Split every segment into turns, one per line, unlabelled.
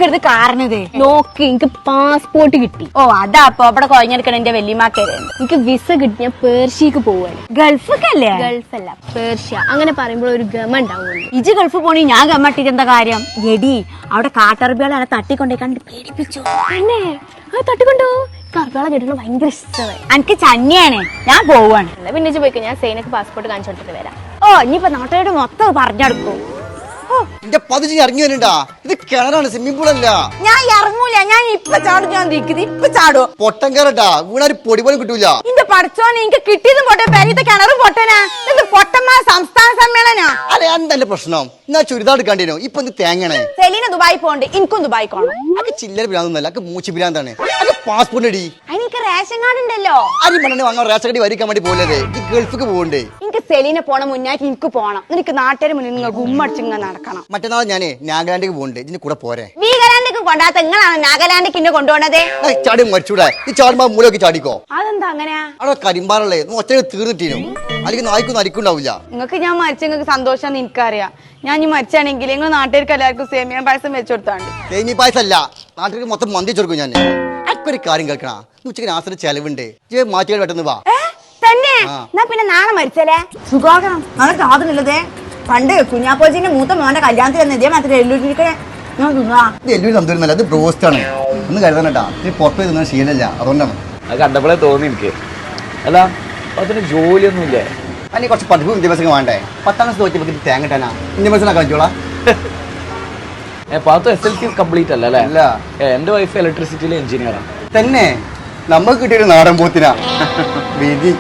എന്തൊക്കെ കാരണത്
നോക്ക് എനിക്ക് പാസ്പോർട്ട് കിട്ടി.
ഓ അതാ അപ്പൊ അവിടെ കൊഴഞ്ഞെടുക്കണ എന്റെ വല്യമാക്കര്.
എനിക്ക് വിസ കിട്ടി. ഞാൻ പേർഷ്യക്ക് പോവാണ്.
ഗൾഫല്ലേ?
ഗൾഫല്ല, പേർഷ്യ. അങ്ങനെ പറയുമ്പോൾ ഒരു ഗമ ഉണ്ടാവുള്ളൂ.
ഇജ് ഗൾഫ് പോണി ഞാൻ ഗമ്മട്ടിട്ട് എന്താ കാര്യം? എടി അവിടെ കാട്ടറബികളെ അനെ തട്ടിക്കൊണ്ടേ കണ്ട് പേടിപ്പിച്ചു.
പിന്നെ അത് തട്ടിക്കൊണ്ടോ? കർബാള കേട്ടിട്ട് ഭയങ്കര ഇഷ്ടമായി.
എനിക്ക് ചന്നിയാണ്, ഞാൻ പോവാണ്.
എന്നാ പിന്നെ പോയിക്കോ, ഞാൻ സൈനക്ക് പാസ്പോർട്ട് കാണിച്ചു കൊടുത്തിട്ട് വരാം.
ഓ ഇനിയിപ്പോ നാട്ടുകാരോട് മൊത്തം പറഞ്ഞെടുക്കും.
എന്റെ പതിച്ച് ഇറങ്ങി വരണ്ടാ, ഇത് കിണറാണ്, സ്വിമ്മിംഗ് പൂൾ അല്ല.
ഞാൻ ഇറങ്ങൂല, ഞാൻ ഇപ്പൊ ചാടും. ഞാൻ നിൽക്കുന്നത് ഇപ്പൊ ചാടുവോ?
പൊട്ടൻ കയറട്ടാ, വീണാര് പൊടി പോലും കിട്ടൂല.
ഇന്റെ പഠിച്ചോനെ എനിക്ക് കിട്ടിയതും പൊട്ടെ, പെരീത്തെ കിണറും പൊട്ടനാ. ഇത് പൊട്ടന്മാർ സംസ്ഥാന സമ്മേളനാ.
അല്ലെ എന്താ പ്രശ്നം? എന്നാ ചുരിദാർ എടുക്കാണ്ടിനോ? ഇപ്പൊ എന്ത് തേങ്ങണേ?
സെലീന ദുബായി പോണ്ട്, എനിക്കും ദുബായി പോണം.
അതൊക്കെ ചില്ലറ ഭ്രാന്തൊന്നല്ല, അതൊക്കെ മൂച്ചി ഭ്രാന്താണ്. അത് പാസ്പോർട്ട് അടി.
എനിക്ക് റേഷൻ കാർഡ് ഉണ്ടല്ലോ.
അരി മണ്ണ വാങ്ങാൻ റേഷൻ കടി വരിക്കാൻ വേണ്ടി പോലെ ഈ ഗൾഫിക്ക് പോകണ്ടേ?
എനിക്ക് സെലീന പോണ മുന്നായിട്ട് എനിക്ക് പോണം. എനിക്ക് നാട്ടുകാർ മുന്നിൽ നിങ്ങൾ ഗുമ്മടിച്ചിങ്ങ നടക്കണം.
മറ്റന്നാൾ ഞാനേ നാഗാലാൻഡിക്ക് പോകണ്ടേ, ഇതിന് കൂടെ പോരെ?
വീഗലാൻഡിക്ക് കൊണ്ടാത്ത നിങ്ങളാണ് നാഗാലാൻഡിക്ക് ഇന്നെ കൊണ്ടുപോണത്.
ചാടി മരിച്ചൂടെ? ഈ ചാടുമ്പോ മൂലൊക്കെ ചാടിക്കോ.
അതെന്താ അങ്ങനെയാ?
അവിടെ കരിമ്പാറല്ലേ ഒറ്റ തീർന്നിട്ടീനോ, അല്ലെങ്കിൽ നായ്ക്കൊന്നും അരിക്കുണ്ടാവില്ല.
നിങ്ങൾക്ക് ഞാൻ മരിച്ച നിങ്ങൾക്ക് സന്തോഷം എനിക്കറിയാം. ഞാൻ ഈ മരിച്ചാണെങ്കിൽ നിങ്ങൾ നാട്ടുകാർക്ക് എല്ലാവർക്കും സേമിയ പായസം വെച്ചു കൊടുത്താണ്ട്.
സേമി പായസല്ല, നാട്ടിലേക്ക് മൊത്തം മന്തി കൊടുക്കും ഞാൻ. അക്കൊരു കാര്യം കേൾക്കണ, ഉച്ചക്ക് നാസിന് ചെലവുണ്ട്, മാറ്റിയാൽ പെട്ടെന്ന് വാ.
തന്നെ എന്നാ പിന്നെ നാളെ മരിച്ചല്ലേ? സുഖാകണം നാളെ സാധനമില്ലതേ. പണ്ട് കുഞ്ഞാപ്പോജിന്റെ മൂത്ത മോന്റെ കല്യാണത്തിൽ തന്നെ ഇതേ മാത്രമേ എല്ലൂരിക്ക് ഞാൻ തിന്നാ.
ഇത് എല്ലൂരി തന്തൂരുന്നല്ല, അത് ബ്രോസ്റ്റ് ആണ്. ഒന്ന് കരുതണട്ടാ, ഇത് പുറത്ത് പോയി തിന്നാൻ ശീലമില്ല, അതുകൊണ്ടാണ്.
അത് കണ്ടപ്പോഴേ തോന്നി എനിക്ക്. അല്ല അതിന് ജോലിയൊന്നുമില്ലേ?
അതിന് കുറച്ച് പഠിപ്പും വിദ്യാഭ്യാസം വേണ്ടേ? 10ാം ക്ലാസ് തോറ്റപ്പോൾ തേങ്ങ കിട്ടാനാ വിദ്യാഭ്യാസം കഴിച്ചോളാം.
പാത്തു SLC കംപ്ലീറ്റ് അല്ല അല്ലേ?
അല്ല,
എന്റെ വൈഫ് ഇലക്ട്രിസിറ്റിയിലെ എഞ്ചിനീയറാണ്.
തന്നെ നമുക്ക് കിട്ടിയൊരു നാടൻ പോത്തിനാ വിധി.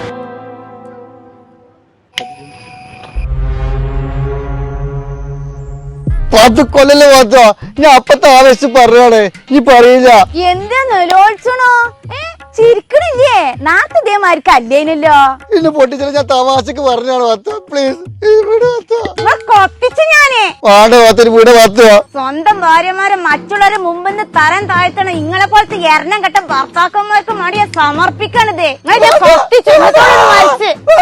പത്ത് കൊല്ലല്ലേ പാത്തോ, ഞാൻ അപ്പത്തെ ആവേശിച്ച് പറഞ്ഞാണ്, നീ പറയില്ല.
എന്താ നിലോത്സണോ? ചിരിക്കണില്ലേ? നാട്ടു ഇതേമാർക്ക് അല്ലേനല്ലോ.
ഇന്ന് പൊട്ടിച്ചാൽ ഞാൻ തമാശക്ക് പറഞ്ഞാണ് പാത്തോ, പ്ലീസ്
കൊട്ടിച്ചു ഞാനേ.
വാണ്ട പാത്തൊരു വീട് പാത്തോ.
സ്വന്തം ഭാര്യമാരെ മറ്റുള്ളവരെ മുമ്പിന്ന് തരം താഴ്ത്തണം. ഇങ്ങളെ പോലത്തെ എണ്ണം കെട്ട ഭർത്താക്കന്മാർക്ക് മടിയെ സമർപ്പിക്കണതേ. കൊട്ടിച്ചു